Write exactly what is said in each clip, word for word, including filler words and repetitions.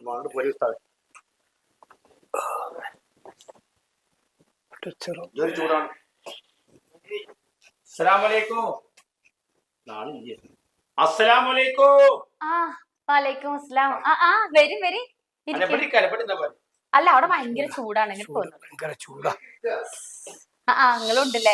ചൂടാണ്. അല്ല അവിടെ ഭയങ്കര ചൂടാണ്. ചൂടാ. ആ നിങ്ങളുണ്ടല്ലേ?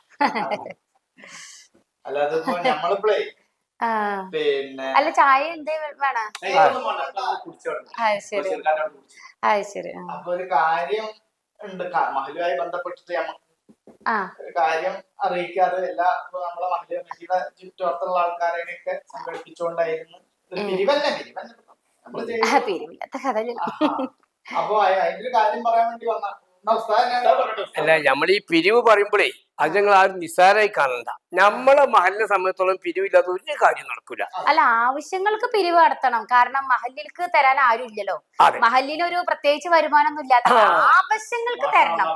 അല്ല ചായ എന്തേ വേണ? അത് ശരി അത് ശരി. അപ്പൊ ഒരു കാര്യം ഉണ്ട്, മഹലുമായി ബന്ധപ്പെട്ടിട്ട് ഒരു കാര്യം അറിയിക്കാതെ എല്ലാ നമ്മളെ മഹല്ല് കമ്മിറ്റിയുടെ ചുറ്റുവട്ടത്തുള്ള ആൾക്കാരെയൊക്കെ സംഘടിപ്പിച്ചുകൊണ്ടായിരുന്നു. പിരിവല്ലേ പിരിവല്ല പിരിവില്ലാത്ത കഥ. അപ്പൊ അതിന്റെ കാര്യം പറയാൻ വേണ്ടി വന്ന അല്ല, നമ്മൾ ഈ പിരിവ് പറയുമ്പോഴേ അത് ഞങ്ങൾ ആരും നിസ്സാരമായി കാണണ്ട. നമ്മളെ മഹലിനെ സംബന്ധിച്ചോളം പിരിവില്ലാത്ത ഒരു കാര്യം നടക്കൂല. അല്ല, ആവശ്യങ്ങൾക്ക് പിരിവ് നടത്തണം. കാരണം മഹല്ലിലേക്ക് തരാൻ ആരും ഇല്ലല്ലോ. മഹല്ലിന് ഒരു പ്രത്യേകിച്ച് വരുമാനം ഒന്നും ഇല്ലാത്ത ആവശ്യങ്ങൾക്ക് തരണം.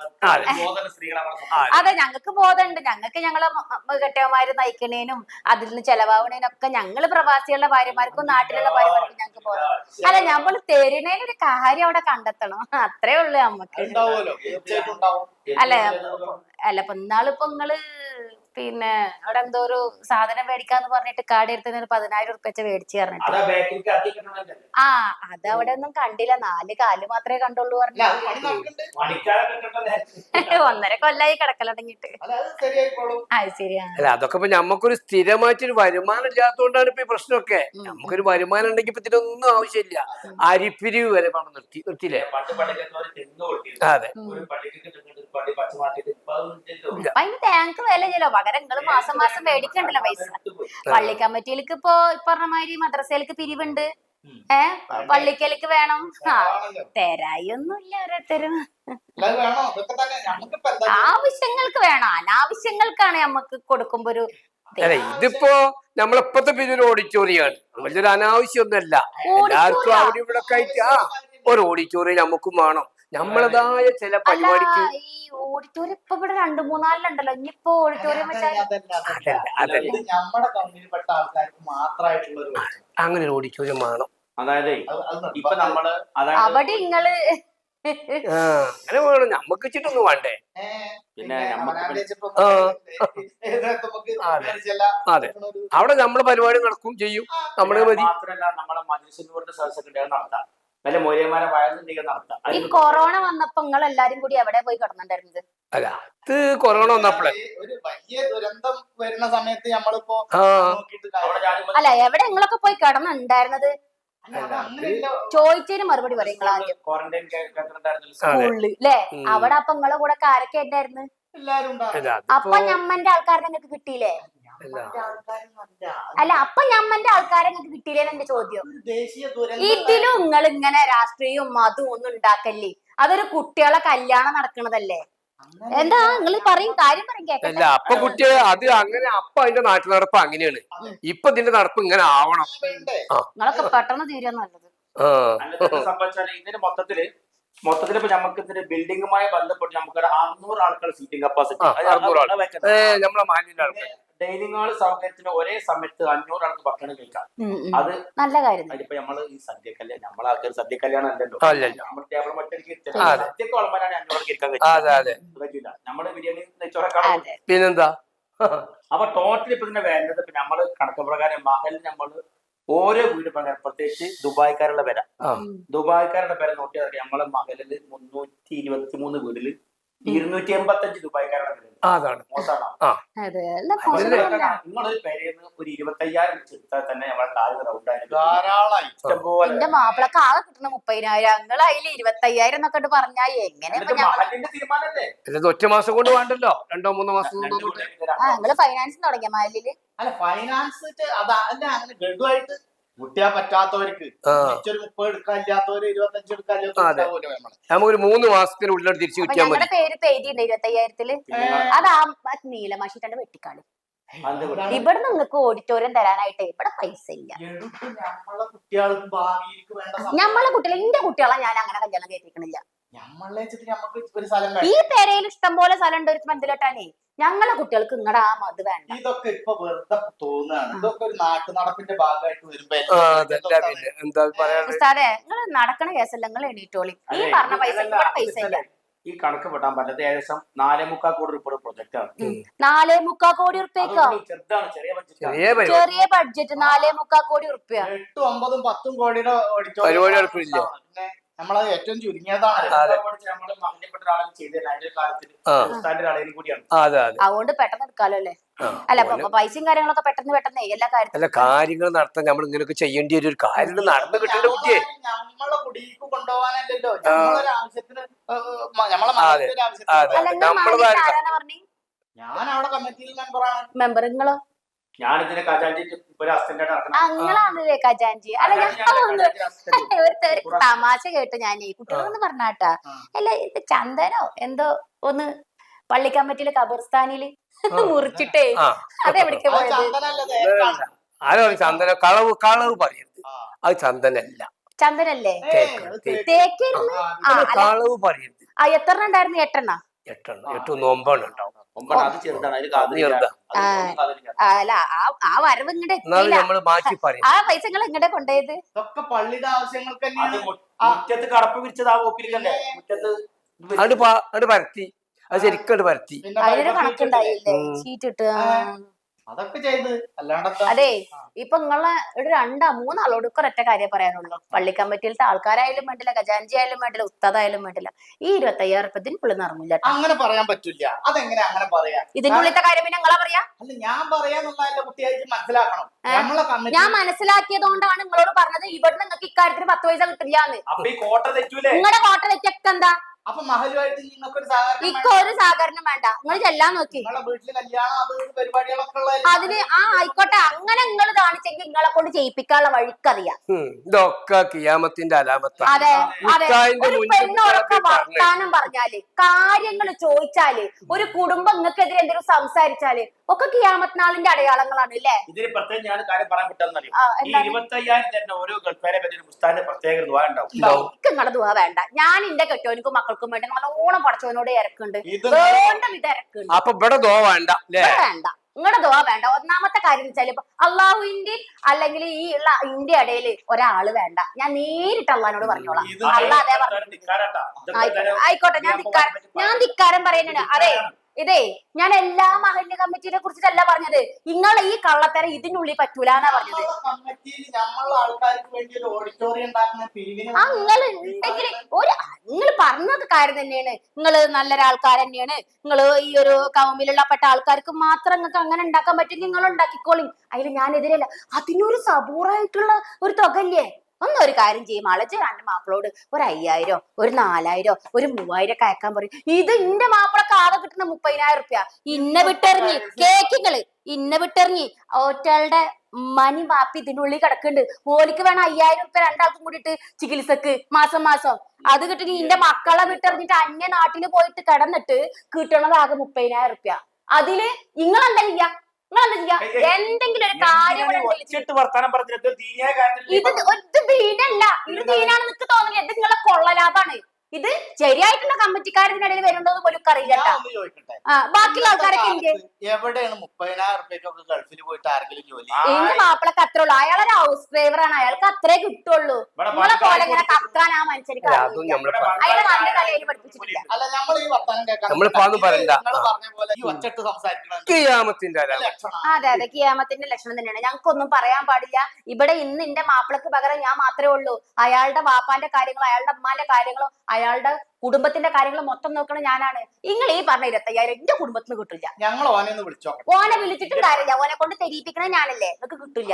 അതെ, ഞങ്ങൾക്ക് ബോധമുണ്ട്. ഞങ്ങൾക്ക് ഞങ്ങളെ കെട്ടിയന്മാര് നയിക്കണേനും അതിൽ നിന്ന് ചെലവാകണേനും ഒക്കെ ഞങ്ങള് പ്രവാസികളുടെ ഭാര്യമാർക്കും നാട്ടിലുള്ള ഭാര്യമാർക്കും ഞങ്ങൾക്ക് ബോധം. അല്ല, നമ്മൾ തരുന്നതിനൊരു കാര്യം അവിടെ കണ്ടെത്തണം. അത്രേ ഉള്ളു നമ്മക്ക്. അല്ല അല്ല ഇപ്പൊ ഇന്നാളിപ്പോ നിങ്ങള് പിന്നെ അവിടെ എന്തോ ഒരു സാധനം മേടിക്കാന്ന് പറഞ്ഞിട്ട് കാർഡ് എടുത്തതിന് പതിനായിരം ഉറുപ്പ്യ വെച്ച് മേടിച്ചു പറഞ്ഞിട്ട്. ആ അതവിടെ ഒന്നും കണ്ടില്ല. നാല് കാല് മാത്രമേ കണ്ടുള്ളൂ പറഞ്ഞു. ഒന്നര കൊല്ലായി കിടക്കലടങ്ങിട്ട്. അത് ശരിയാണ്. അല്ല, അതൊക്കെ ഇപ്പൊ നമുക്കൊരു സ്ഥിരമായിട്ടൊരു വരുമാനം ഇല്ലാത്തതുകൊണ്ടാണ് ഇപ്പൊ ഈ പ്രശ്നമൊക്കെ. നമുക്കൊരു വരുമാനം ഉണ്ടെങ്കിൽ ഇപ്പൊ ഇതിനൊന്നും ആവശ്യമില്ല. അരിപ്പിരിവ് വരെ പണം നിർത്തി നിർത്തിയില്ലേ? അതെ. അതിന് താങ്ക് വില ചെല്ലോ. പകരം നിങ്ങള് മാസം മാസം മേടിക്കണ്ടല്ലോ പൈസ. പള്ളി കമ്മിറ്റിയിലേക്ക് ഇപ്പൊ പറഞ്ഞ മാതിരി മദ്രസയിലേക്ക് പിരിവുണ്ട്. ഏഹ് പള്ളിക്കലേക്ക് വേണം. ആ തരായി ഒന്നുമില്ല ഓരോരുത്തരും. ആവശ്യങ്ങൾക്ക് വേണം. അനാവശ്യങ്ങൾക്കാണ് നമ്മക്ക് കൊടുക്കുമ്പോ ഒരു. അല്ല, ഇതിപ്പോ നമ്മളിപ്പത്തെ പിരിവ് ഓഡിറ്റോറിയാണ്. വലിയൊരു അനാവശ്യമൊന്നുമല്ല. എല്ലാവർക്കും അവിടെ ഇവിടെ ആയിട്ട് ആ ഒരു ഓഡിറ്റോറിയം നമുക്കും വേണം. നമ്മളതായ ചില പരിപാടിക്ക്. ഈ ഓഡിറ്റോറിയം ഇപ്പൊ ഇവിടെ രണ്ടു മൂന്നാലിലുണ്ടല്ലോ. ഇനിയിപ്പോ ഓഡിറ്റോറിയം അങ്ങനെ ഒരു ഓഡിറ്റോറിയം വേണം. അതായത് ഇപ്പൊ നമ്മള് അവിടെ നിങ്ങള് അങ്ങനെ വേണം. നമ്മക്ക് വെച്ചിട്ടൊന്നും വേണ്ടേ? പിന്നെ അതെ, അവിടെ നമ്മളെ പരിപാടി നടക്കും ചെയ്യും. നമ്മള് മാത്രല്ല നമ്മളെ മജിലിസിന്റെ സദസ്സൊക്കെ നടത്താം. നല്ല മൂല്യന്മാരെ വയറുണ്ടെങ്കിൽ നടത്താം. ഈ കൊറോണ വന്നപ്പോ നിങ്ങൾ എല്ലാരും കൂടി എവിടെ പോയി കിടന്നിട്ടുണ്ടായിരുന്നത്? അല്ല, അത് കൊറോണ വന്നപ്പോഴേ ഒരു വലിയ ദുരന്തം വരുന്ന സമയത്ത് നമ്മളിപ്പോ അല്ല എവിടെ നിങ്ങളൊക്കെ പോയി കിടന്നുണ്ടായിരുന്നത്? ചോദിച്ചതിന് മറുപടി പറയും. സ്കൂളില് അല്ലേ? അവിടെ അപ്പൊ നിങ്ങളെ കൂടെ ആരൊക്കെ ഉണ്ടായിരുന്നു? അപ്പൊ ഞമ്മന്റെ ആൾക്കാരെ നിങ്ങൾക്ക് കിട്ടിയില്ലേ? അല്ല, അപ്പൊ ഞമ്മന്റെ ആൾക്കാരെ നിങ്ങൾക്ക് കിട്ടിയില്ലേന്ന് എന്റെ ചോദ്യം. ഇതിലും നിങ്ങൾ ഇങ്ങനെ രാഷ്ട്രീയവും മതവും ഒന്നും ഉണ്ടാക്കല്ലേ. അതൊരു കുട്ടികളെ കല്യാണം നടക്കണതല്ലേ? എന്താ നിങ്ങൾ പറയും, കാര്യം പറയും കേക്കല്ല. അപ്പൊ കുട്ടിയെ അത് അങ്ങനെ അപ്പൊ അതിന്റെ നാട്ടു നടപ്പ് അങ്ങനെയാണ്. ഇപ്പൊ ഇതിന്റെ നടപ്പ് ഇങ്ങനെ ആവണം. നിങ്ങളൊക്കെ പെട്ടെന്ന് തീരുക നല്ലത്. സംഭവിച്ചാൽ ഇതിന് മൊത്തത്തില് മൊത്തത്തില് ഇപ്പൊ നമുക്ക് ഇതിന്റെ ബിൽഡിങ്ങുമായി ബന്ധപ്പെട്ട് നമുക്ക് അറുന്നൂറ് ആൾക്കാർ സീറ്റിംഗ് കപ്പാസിറ്റി. ഡൈനിങ് ഹാൾ സൗകര്യത്തിന് ഒരേ സമയത്ത് അഞ്ഞൂറ് ആൾക്ക് ഭക്ഷണം കഴിക്കാം. അത് നല്ല കാര്യം. അതിപ്പോ നമ്മള് ഈ സദ്യ കല്യാണം നമ്മളെ ആൾക്കാർ സദ്യ കല്യാണം അല്ലല്ലോ. നമ്മൾ ടേബിൾ മറ്റൊരു സദ്യക്ക് വളമാനാണ് അഞ്ഞൂറ് ഇരിക്കാൻ പറ്റില്ല. നമ്മള് ബിരിയാണി നെച്ചോറൊക്കെ പിന്നെന്താ. അപ്പൊ ടോട്ടൽ ഇപ്പൊ ഇതിന്റെ വേണ്ടത് ഇപ്പൊ നമ്മള് കണക്ക് പ്രകാരം മഹൽ നമ്മള് ഓരോ വീട് പ്രകാരം പ്രത്യേകിച്ച് ദുബായ്ക്കാരുടെ പേര ദുബായ്ക്കാരുടെ പേര നോക്കിയാൽ നമ്മളെ മഹലില് മുന്നൂറ്റി ഇരുപത്തി മൂന്ന് വീടില് ഇരുന്നൂറ്റി എൺപത്തി അഞ്ച് ദുബായ്ക്കാരുടെ പേര്. നിങ്ങളൊരു പേരെന്ന് ഒരു ഇരുപത്തി അയ്യായിരം എടുത്താൽ തന്നെ നമ്മളെ കാല് റൗണ്ടായി ഇഷ്ടംപോലെ. എന്റെ മാപ്പിളക്ക് ആകെ കിട്ടുന്ന മുപ്പതിനായിരം. നിങ്ങൾ അതിൽ ഇരുപത്തി അയ്യായിരം എന്നൊക്കെ പറഞ്ഞാ എങ്ങനെ? മഹലിന്റെ തീരുമാനല്ലേ? ഒറ്റ മാസം കൊണ്ട് വേണ്ടല്ലോ, രണ്ടോ മൂന്നോ മാസം. നിങ്ങള് ഫൈനാൻസ് തുടങ്ങിയ മഹലില്? അല്ല, ഫൈനാൻസ് അതല്ല അങ്ങനെ ഗഡുവായിട്ട് മുട്ടിയാ പറ്റാത്തവർക്ക് ഒരു മുപ്പത് എടുക്കാനില്ലാത്തവര് ഇരുപത്തഞ്ച് എടുക്കാനില്ലാത്തവര് നമുക്കൊരു മൂന്ന് മാസത്തിനുള്ളിൽ തിരിച്ചു കിട്ടിയാൽ മതി. ഞങ്ങളുടെ പേര് എഴുതിയുണ്ട് ഇരുപത്തി അയ്യായിരത്തില്. അത് ആ നീലമാഷിട്ടാണ് വെട്ടിക്കാളി. ഇവിടെ നിങ്ങൾക്ക് ഓഡിറ്റോറിയം തരാനായിട്ട് ഇവിടെ പൈസ ഇല്ല. നമ്മളെ കുട്ടികൾക്ക് ഭാവിയിലേക്ക് വേണ്ട നമ്മളെ കുട്ടികളെ എന്റെ കുട്ടികളെ ഞാൻ അങ്ങനെ കല്യാണം കേൾപ്പിക്കണില്ല. നമ്മളെ വെച്ചിട്ട് നമുക്ക് ഒരു സ്ഥലം ഈ വേണം. പെരയിൽ ഇഷ്ടം പോലെ സ്ഥലം ഉണ്ട് ഒരു മന്ദിരട്ടാനേ. ഞങ്ങളെ കുട്ടികൾക്ക് ഇങ്ങടെ ആ മത് വേണ്ട. ഇതൊക്കെ ഇപ്പൊ വെറുതെ തോന്നുകയാണ്. ഇതൊക്കെ ഒരു നാട്ടു നടപ്പിന്റെ ഭാഗമായിട്ട് വരുമ്പോ ആ അതല്ല പിന്നെ എന്താ പറയാനുള്ളത്? ഉസ്താദേ നിങ്ങൾ നടക്കണ കേസല്ല, നിങ്ങൾ എണീറ്റോളി. ഈ പറഞ്ഞ പൈസ ഇവിടെ പൈസ ഇല്ല. ഈ കണക്ക് പെട്ടാൻ പറ്റാത്ത ഏകദേശം നാലേ മുക്കാൽ കോടി രൂപ പ്രൊജക്ട് ആണ്. നാലേ മുക്കാൽ കോടി ഉറുപ്പ്യക്കോ? ചെറുതാണ്, ചെറിയ ബഡ്ജറ്റ്. ചെറിയ പരിപാടി ചെറിയ ബഡ്ജറ്റ് നാലേ മുക്കാൽ കോടി ഉറുപ്പ്യ. എട്ടും ഒമ്പതും പത്തും കോടിയുടെ പരിപാടി നടക്കില്ല. പിന്നെ നമ്മളത് ഏറ്റവും ചുരുങ്ങിയതാണ്. നമ്മള് മഹല്യപ്പെട്ട ഒരാളും ചെയ്തില്ല. അതിന്റെ കാലത്തിൽ ഉസ്താദിന്റെ ഒരാളേലും കൂടിയാണ്. അതെ അതെ. അതുകൊണ്ട് പെട്ടെന്ന് എടുക്കാലോ അല്ലേ? അല്ല ഇപ്പൊ പൈസയും കാര്യങ്ങളൊക്കെ പെട്ടെന്ന് പെട്ടെന്ന് എല്ലാ കാര്യത്തിലും അല്ല കാര്യങ്ങൾ നടത്താൻ നമ്മൾ ഇങ്ങനെയൊക്കെ ചെയ്യേണ്ടി ഒരു കാര്യം നടന്നു കിട്ടേണ്ട കുട്ടിയെ. നമ്മളെ കുടിക്ക് കൊണ്ടുപോകാനല്ലല്ലോ, നമ്മളൊരു ആവശ്യത്തിന് നമ്മളെ അതെ, മനസ്സിന്റെ അതെ. ആവശ്യത്തിന്. അല്ല നിങ്ങൾ നമ്മള് മാലിക് ആരാന്നാ പറഞ്ഞേ? ഞാൻ അവിടെ കമ്മിറ്റിയിൽ മെമ്പറാണ്. മെമ്പർ നിങ്ങളോ? ഞാൻ ഇതിനെ കജാൻജി ഒരു അസിസ്റ്റന്റ് ആയിട്ട് ആ നിങ്ങളാണല്ലേ ഖജാൻജി? അല്ല ഞാൻ ഒന്ന് ഒരു തെറി തമാശ കേട്ടു ഞാനേ കുട്ടികളൊന്ന് പറഞ്ഞാട്ടാ. അല്ല ഇത് ചന്ദനോ എന്തോ ഒന്ന് പള്ളി കമ്മിറ്റിയിലെ ഖബർസ്ഥാനില് മുറിച്ചിട്ടേ അതെവിടേക്ക് അത് പോയത്? ചന്ദനല്ല, തേക്കാണ്. ആരോ ചന്ദന കളവ് കളവ് പറയരുത്. അത് ചന്ദനല്ല, ചന്ദനല്ലേ? ഏയ്, അത് തേക്ക്. തേക്കിരുന്ന് ആ അല്ല കളവ് പറയരുത്. ആ എത്ര ഉണ്ടായിരുന്നു? എട്ടെണ്ണ? എട്ടെണ്ണം എട്ടൊന്ന് ഒമ്പതെണ്ണം ഉണ്ടാവും. ഒമ്പത് അത് ചെറുതാണ്. അതിൽ കാതിലില്ല. ചെറുതാ. ആ അല്ല ആ ആ വരവ് ഇങ്ങടെ എന്നാലും എത്തിയില്ല. നമ്മള് മാറ്റി പറയും. ആ പൈസ നിങ്ങൾ ഇങ്ങടെ കൊണ്ടുപോയത്? ഇതൊക്കെ പള്ളിയുടെ ആവശ്യങ്ങൾക്ക് അത് തന്നെയാണ്. മു- മുറ്റത്ത് കടപ്പ് വിരിച്ചത് ആ ഓപ്പിലിക്കല്ലേ മുറ്റത്ത് അത് അത് പരത്തി, അത് ശരിക്കും അത് പരത്തി. പിന്നെ അതിനൊരു പൈസ കണക്കുണ്ടായില്ലേ? ഉം. ഷീറ്റ് ഇട്ട് ആ. അതൊക്കെ ചെയ്ത് അല്ലാണ്ട് അതെ ഇപ്പൊ നിങ്ങളെ ഒരു രണ്ടാ മൂന്നാളോട് ഒരൊറ്റ കാര്യം പറയാനുള്ളൂ. പള്ളി കമ്മിറ്റിയിലത്തെ ആൾക്കാരായാലും വേണ്ടില്ല, ഖജാൻജി ആയാലും വേണ്ടില്ല, ഉസ്താദായാലും വേണ്ടില്ല, ഈ ഇരുപത്തി അയ്യായിരം ഉറുപ്പത്തിന് പുള്ളി നടന്നില്ല. അങ്ങനെ പറയാൻ പറ്റില്ല. അതെങ്ങനെ അങ്ങനെ പറയാ? ഇതിന്റെ ഉള്ളിലത്തെ കാര്യം പിന്നെ നിങ്ങളാ പറയാ? അല്ല ഞാൻ പറയാന്നുള്ളതല്ല, കുട്ടിയായിട്ട് മനസ്സിലാക്കണം. നമ്മളെ കമ്മിറ്റി ഞാൻ മനസ്സിലാക്കിയത് കൊണ്ടാണ് നിങ്ങളോട് പറഞ്ഞത് ഇവിടെ നിങ്ങൾക്ക് ഇക്കാര്യത്തിന് പത്ത് പൈസ കിട്ടില്ലാന്ന്. അപ്പൊ ഈ കോട്ട തെറ്റൂലേ? നിങ്ങളുടെ കോട്ട തെറ്റൊക്കെ എന്താ? അപ്പൊ മഹലുമായിട്ട് നിങ്ങൾക്കൊരു സഹകരണം ഇക്ക വേണം. ഒരു സഹകരണം വേണ്ട. നിങ്ങൾ ചെല്ലാൻ നോക്കി നിങ്ങളെ വീട്ടില് കല്യാണം അത് ഇത് പരിപാടികളൊക്കെ ഉള്ള അതിന് ആ ആയിക്കോട്ടെ. അങ്ങനെ നിങ്ങൾ കാണിച്ചെങ്കിൽ നിങ്ങളെ കൊണ്ട് ചെയ്യിപ്പിക്കാനുള്ള വഴിക്കറിയാം. ഉം. ഇതൊക്കെ കിയാമത്തിന്റെ അലാമത്താണ്. അതെ അതെ. ഉസ്താദിന്റെ ഒരു മുന്നിൽ പെണ്ണോടൊക്കെ കുട്ടികളൊക്കെ വർത്താനം പറഞ്ഞാല്, കാര്യങ്ങൾ ചോദിച്ചാല്, ഒരു കുടുംബം നിങ്ങൾക്കെതിരെ എന്തെങ്കിലും സംസാരിച്ചാല് ഒക്കെ കിയാമത്ത് അടയാളങ്ങളാണ് അല്ലേ? ഇതിന് പ്രത്യേകം ഞാൻ കാര്യം പറയാൻ വിട്ടെന്നറിയും. ആ, ഈ എന്താണ്? ഇരുപത്തി അയ്യായിരം തന്നെ ഓരോ ഗൾഫാരെ പറ്റി ഉസ്താദിന്റെ പ്രത്യേക ദുആ ഉണ്ടാവും. എനിക്ക് നിങ്ങളുടെ ദുആ വേണ്ട. ഞാൻ എന്റെ കെട്ടോനിക്കും മക്കൾക്കും വേണ്ടി നല്ലോണം പടച്ചവനോട് ഇറക്കുന്നുണ്ട്, ഇത് വേണ്ട വിധ ഇറക്കുന്നുണ്ട്. അപ്പൊ ഇവിടെ ദോ വേണ്ട അല്ലേ? ഇവിടെ വേണ്ട, നിങ്ങളുടെ ദുആ വേണ്ട. ഒന്നാമത്തെ കാര്യം എന്ന് വെച്ചാൽ ഇപ്പൊ അള്ളാഹുവിന്റെ അല്ലെങ്കിൽ ഈ ഉള്ള ഇന്ത്യ ഇടയില് ഒരാള് വേണ്ട. ഞാൻ നേരിട്ട് അള്ളഹാനോട് പറഞ്ഞോളാം. ഇത് അള്ളാഹ് അതേ പറഞ്ഞു. ധിക്കാരാട്ടാ. ഇതൊക്കെ ആയിക്കോട്ടെ എല്ലാവരും ആയിക്കോട്ടെ ഞാൻ ധിക്കാരം ഞാൻ ധിക്കാരം പറയുന്നുണ്ട്. അതെ ഇതേ ഞാൻ എല്ലാ മഹല്ല് കമ്മിറ്റിനെ കുറിച്ചിട്ടല്ല പറഞ്ഞത്. നിങ്ങളെ ഈ കള്ളത്തരം ഇതിനുള്ളിൽ പറ്റൂലെന്നാ പറഞ്ഞത്. നമ്മളെ കമ്മിറ്റിയിൽ നമ്മളെ ആൾക്കാർക്ക് വേണ്ടി ഒരു ഓഡിറ്റോറിയം ഉണ്ടാക്കുന്ന പിരിവിന് ആ നിങ്ങൾ ഉണ്ടെങ്കിൽ ഒരു നിങ്ങൾ പറഞ്ഞത് കാര്യം തന്നെയാണ്. നിങ്ങൾ നല്ലൊരാൾക്കാർ തന്നെയാണ്. നിങ്ങൾ ഈ ഒരു കൗമിലുള്ള പെട്ട ആൾക്കാർക്ക് മാത്രം നിങ്ങൾക്ക് അങ്ങനെ ഉണ്ടാക്കാൻ പറ്റും, നിങ്ങൾ ഉണ്ടാക്കിക്കോളി. അതിൽ ഞാൻ എതിരല്ല. അതിനൊരു സബൂറായിട്ടുള്ള ഒരു തുകല്ലേ? ഒന്നൊരു കാര്യം ചെയ്യും, അളച്ച് രണ്ട് മാപ്പിളോട് ഒരു അയ്യായിരം ഒരു നാലായിരം ഒരു മൂവായിരം ഒക്കെ അയക്കാൻ പറയും. ഇത് ഇന്റെ മാപ്പിളക്ക് ആകെ കിട്ടുന്ന മുപ്പതിനായിരം റുപ്യ ഇന്ന വിട്ടെറിഞ്ഞ് കേക്കിങ്ങള് ഇന്ന വിട്ടെറിഞ്ഞ് ഒറ്റകളുടെ മണി മാപ്പി ഇതിനുള്ളിൽ കിടക്കുന്നുണ്ട്. ഓലിക്ക് വേണം അയ്യായിരം റുപ്യ രണ്ടാൾക്കും കൂടിയിട്ട് ചികിത്സക്ക് മാസം മാസം. അത് കിട്ടി ഇന്റെ മക്കളെ വിട്ടെറിഞ്ഞിട്ട് അന്യ നാട്ടില് പോയിട്ട് കിടന്നിട്ട് കിട്ടണത് ആകെ മുപ്പതിനായിരം റുപ്യ. അതില് നിങ്ങൾ എന്താ ചെയ്യാ? നിങ്ങൾ എന്താ ചെയ്യാ? എന്തെങ്കിലും ഒരു കാര്യം ഇവിടെ ഉണ്ടെങ്കിൽ ഒച്ചിട്ട് വർത്താനം പറഞ്ഞിട്ട് ദീനിയായ കാര്യത്തിൽ ഇത് ഒരു ദീനല്ല, ഇത് ദീനാണ് നിനക്ക് തോന്നില്ല. ഇത് നിങ്ങളെ കൊള്ളലാഭാണ്. ഇത് ശരിയായിട്ടുള്ള കമ്മിറ്റിക്കാരതിനിടയിൽ വരുന്നുണ്ടോന്ന് പോലും അറിയില്ല. ഞാൻ ഒന്ന് ചോദിക്കട്ടെ, ആ ബാക്കിയുള്ള ആൾക്കാരൊക്കെ ഇന്ത്യ എവിടെയാണ് മുപ്പതിനായിരം റുപ്യക്കൊക്കെ ഗൾഫിൽ പോയിട്ട് ആരെങ്കിലും ജോലി? ഇന്ന് മാപ്പിളക്ക് അത്രേ ഉള്ളൂ. അയാളൊരു ഹൗസ് ഡ്രൈവർ ആണ്, അയാൾക്ക് അത്രേ കിട്ടുള്ളൂ. നിങ്ങളെ പോലെ ഇങ്ങനെ കക്കാൻ ആ മനുഷ്യർക്ക് അതും നമ്മള് അയാളെ നല്ല തലയിൽ പഠിപ്പിച്ചിട്ടില്ല. അല്ല നമ്മൾ ഈ വർത്താനം കേൾക്കാൻ നമ്മളിപ്പോ അതൊന്നും പറയണ്ട. നിങ്ങൾ പറഞ്ഞ പോലെ ഈ ഒച്ചട്ട് സംസാരിക്കണം കിയാമത്തിന്റെ അലാമത്ത്. ലക്ഷണം. അതെ അതെ കിയാമത്തിന്റെ ലക്ഷണം തന്നെയാണ്. ഞങ്ങൾക്കൊന്നും പറയാൻ പാടില്ല. ഇവിടെ ഇന്ന് എന്റെ മാപ്പിളക്ക് പകരം ഞാൻ മാത്രമേ ഉള്ളൂ. അയാളുടെ വാപ്പാന്റെ കാര്യങ്ങളോ അയാളുടെ അമ്മാന്റെ കാര്യങ്ങളോ അയാളുടെ കുടുംബത്തിന്റെ കാര്യങ്ങൾ മൊത്തം നോക്കണം ഞാനാണ്. നിങ്ങൾ ഈ പറഞ്ഞ ഇരുപത്തയ്യായിരം എന്റെ കുടുംബത്തിന് കിട്ടില്ല. ഞങ്ങൾ ഓനെ ഒന്ന് വിളിച്ചോ. ഓനെ വിളിച്ചിട്ടും കാര്യമില്ല. ഓനെ കൊണ്ട് തെരിയിപ്പിക്കണ ഞാനല്ലേ, നിങ്ങൾക്ക് കിട്ടില്ല.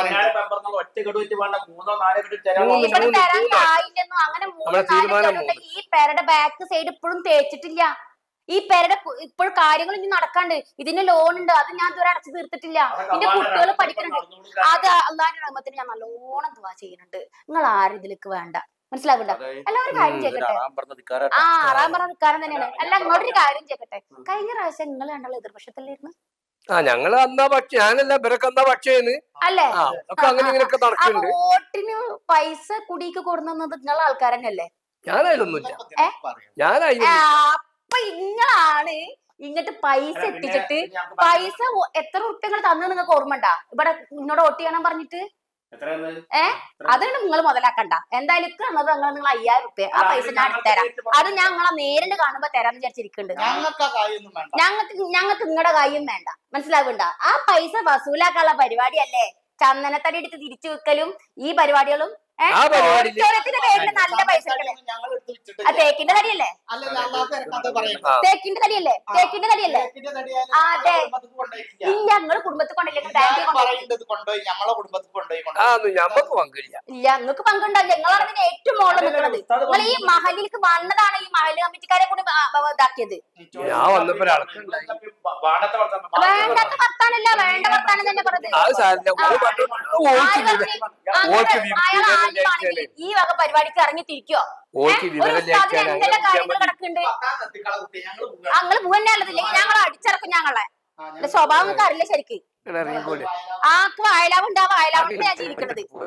ഒറ്റ കെടുവിറ്റ് വേണ്ട മൂന്നോ നാലോ കെട്ട് തരാൻ മൂന്ന് ഇവിടെ മൂന്ന് തരാൻ മൂന്ന് കായില്ലെന്നും അങ്ങനെ മൂന്ന് നമ്മളെ നാല് തീരുമാനം പേരുണ്ടെങ്കിൽ ഈ പേരുടെ ബാക്ക് സൈഡ് ഇപ്പോഴും തേച്ചിട്ടില്ല. ഈ പേരുടെ ഇപ്പോഴും കാര്യങ്ങൾ ഇനി നടക്കാണ്ട്. ഇതിന് ലോൺ ഉണ്ട്, അത് ഞാൻ ഇതുവരെ അടച്ചു തീർത്തിട്ടില്ല. എന്റെ കുട്ടികൾ പഠിക്കുന്നുണ്ട്. അത് അള്ളാന്റെ റഹ്മത്തിന് ഞാൻ നല്ലോണം ദുആ ചെയ്യുന്നുണ്ട്. നിങ്ങൾ ആരും ഇതിലേക്ക് വേണ്ട, മനസ്സിലാവണ്ട. എല്ലാവരും കാര്യം ചെയ്യട്ടെ. ആ ആറാം പറഞ്ഞ നിൽക്കാരൻ തന്നെയാണ്. അല്ല ഇങ്ങോട്ടൊരു കാര്യം ചെയ്യട്ടെ. കഴിഞ്ഞ പ്രാവശ്യം നിങ്ങൾ കണ്ടുള്ള എതിർപക്ഷത്തിലായിരുന്നു ആ ഞങ്ങള് അന്നാ പക്ഷേ ഞാനല്ല ഇവരൊക്കെ എന്നാ പക്ഷേന്ന് അല്ലേ? ആ ഒക്കെ അങ്ങനെ ഇങ്ങനെയൊക്കെ അപ്പൊ നടക്കുന്നുണ്ട്. വോട്ടിന് പൈസ കുടിക്ക് കൊടുക്കുന്നത് നിങ്ങളെ ആൾക്കാർ തന്നെയല്ലേ? ഞാനതിലൊന്നുമില്ല ഇതൊക്കെ ഇതിനൊക്കെ പറയും. ഞാനതിൽ അപ്പൊ ഇങ്ങളാണ് ഇങ്ങോട്ട് പൈസ അല്ല, പിന്നെ എത്തിച്ചിട്ട് ഞങ്ങൾക്ക് പൈസ ഒ- എത്ര ഉറുപ്പ്യങ്ങൾ തന്നു നിങ്ങൾക്ക് ഓർമ്മണ്ടാ ഇവിടെ നിന്നോട് വോട്ട് ചെയ്യണം പറഞ്ഞിട്ട് എത്രയാണ്? ഏ അതാണ് നിങ്ങൾ മുതലാക്കണ്ട എന്തായാലും ഇക്ക് തന്നത് നിങ്ങൾ നിങ്ങൾ അയ്യായിരം ഉറുപ്പ്യ ആ പൈസ ഞാൻ തരാം അത് ഞാൻ നിങ്ങളെ നേരിട്ട് കാണുമ്പോ തരാന്ന് വിചാരിച്ചിരിക്കുന്നുണ്ട് ഞങ്ങൾക്ക് ആ കാര്യമൊന്നും വേണ്ട. ഞങ്ങൾക്ക് ഞങ്ങൾക്ക് നിങ്ങളുടെ കാര്യം വേണ്ട മനസ്സിലാവണ്ട ആ പൈസ വസൂലാക്കാനുള്ള പരിപാടിയല്ലേ ചന്ദനത്തടി എടുത്ത് തിരിച്ചു വെക്കലും ഈ പരിപാടികളും ഏഹ് ആ പരിപാടിയില് ഓഡിറ്റോറിയത്തിന്റെ പേരിൽ നല്ല പൈസ എടുക്കണേ. ഞങ്ങൾ എടുത്ത് ആ വിറ്റിട്ടില്ല. തേക്കിന്റെ തടിയല്ലേ അല്ലല്ല, അള്ളാഹു ഇറക്കാത്തത് പറയുന്നു. ആ. തേക്കിന്റെ തടിയല്ലേ തേക്കിന്റെ തടിയല്ലേ തേക്കിന്റെ തടിയായാലും ആ, അതെ. ഞങ്ങളെ കുടുംബത്തിൽ കൊണ്ടുപോയിട്ടില്ല. ഇല്ല നിങ്ങള് കുടുംബത്തിൽ കൊണ്ടില്ലെങ്കിൽ ബാങ്കിൽ എല്ലാവരും കൊണ്ടുപോയി പറയുന്നത് കൊണ്ടുപോയി ഞമ്മളെ കുടുംബത്തിൽ കൊണ്ടുപോയി ആ കൊണ്ടുപോയി. ഒന്നും ഞമ്മക്ക് പങ്കില്ല. ഇല്ല നിങ്ങൾക്ക് പങ്കുണ്ടാവില്ല നിങ്ങളാണ് ഇതിന് ഏറ്റവും മുകളിൽ നിൽക്കുന്നത് നിങ്ങൾ ഈ മഹലിലേക്ക് വന്നതാണ് ഈ മഹല് കമ്മിറ്റിക്കാരെ കൂടി ആ- ആ- ഇതാക്കിയത് ഞാൻ വന്നപ്പോ ഒരാൾക്കുണ്ടായി. വാണ്ടത്തെ വർത്തമാനം. വേണ്ടാത്ത വർത്താനല്ല വേണ്ട വർത്താനം തന്നെ പറഞ്ഞത് അത് സാരില്ല ഓള് പറഞ്ഞു ഓൾക്ക് ആര് വിവരം പറഞ്ഞ് ഓൾക്ക് അങ്ങനെ വിവരം അയാൾ ഇല്ലായിട്ടാണ്. ആദ്യമാണെങ്കിൽ ഈ വക പരിപാടിക്ക് ഇറങ്ങി തിരിക്കോ ഓൾക്ക് ഒരു വിവരം ഉസ്താദിന് ഇല്ലായിട്ടാണ് എന്തെല്ലാം കാര്യങ്ങൾ അങ്ങനെ കിടക്കുന്നുണ്ട് പത്താം എത്തിക്കള കുട്ടി ഞങ്ങൾ പോവുക. ഞങ്ങള് പൂവന്നെ ഉള്ളതില്ലെങ്കിൽ ഞങ്ങൾ അടിച്ചിറക്കും ഞങ്ങളെ ആ, ഞങ്ങൾ എന്റെ സ്വഭാവം നിങ്ങൾക്ക് അറിയില്ല ശരിക്ക് ഇറങ്ങിക്കോളി. ആക്ക് വയലാവുണ്ടാവും വയലാവുണ്ട് ഞാൻ ജീവിക്കണത്